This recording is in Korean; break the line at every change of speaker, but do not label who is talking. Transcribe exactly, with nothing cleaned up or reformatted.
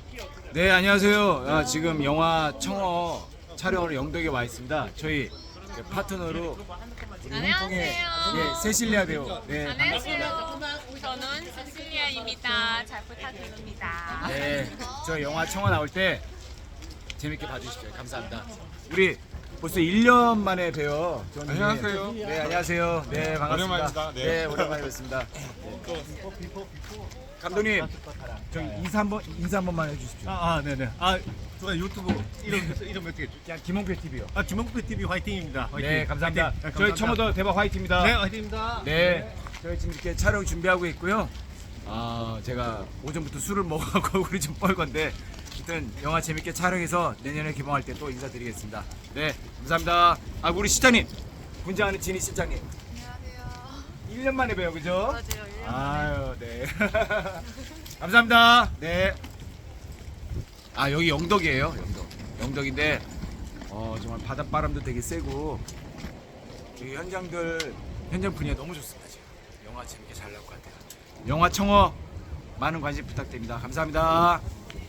네, 안녕하세요. 아, 지금 영화 청어 촬영으로 영덕에 와 있습니다. 저희 그 파트너로 우리 홍콩의
안녕하세요.
예, 세실리아 배우. 네,
안녕하세요. 저는 세실리아입니다. 잘 부탁드립니다.
네, 저 영화 청어 나올 때 재밌게 봐주십시오. 감사합니다. 우리 벌써 일 년 만에 뵈요. 저는.
안녕하세요.
네, 안녕하세요. 네, 반갑습니다.
오랜만입니다. 네.
네, 오랜만에 뵙습니다. 감독님, 저기 인사 한번 인사 한 번만 해주십시오.
아, 아 네네. 아, 제가 유튜브 이름 이름 어떻게?
그냥 김홍표 티비요.
아, 김홍표 티비 화이팅입니다. 화이팅.
네, 감사합니다.
화이팅. 네,
저희
감사합니다.
청어도 대박 화이트입니다.
네, 화이팅입니다.
네, 저희 지금 이렇게 촬영 준비하고 있고요. 아, 제가 오전부터 술을 먹어갖고 우리 좀 뻘건데, 하여튼 영화 재밌게 촬영해서 내년에 개봉할 때 또 인사드리겠습니다. 네, 감사합니다. 아, 우리 실장님, 분장하는 진희 실장님.
안녕하세요.
일 년 만에 봬요, 그죠?
맞아요. 일 년
아유, 네. 감사합니다. 네. 아, 여기 영덕이에요, 영덕. 영덕인데, 어, 정말 바닷바람도 되게 세고, 이 현장들, 현장 분위기가 너무 좋습니다, 지금. 영화 재밌게 잘 나올 것 같아요. 영화 청어 많은 관심 부탁드립니다. 감사합니다.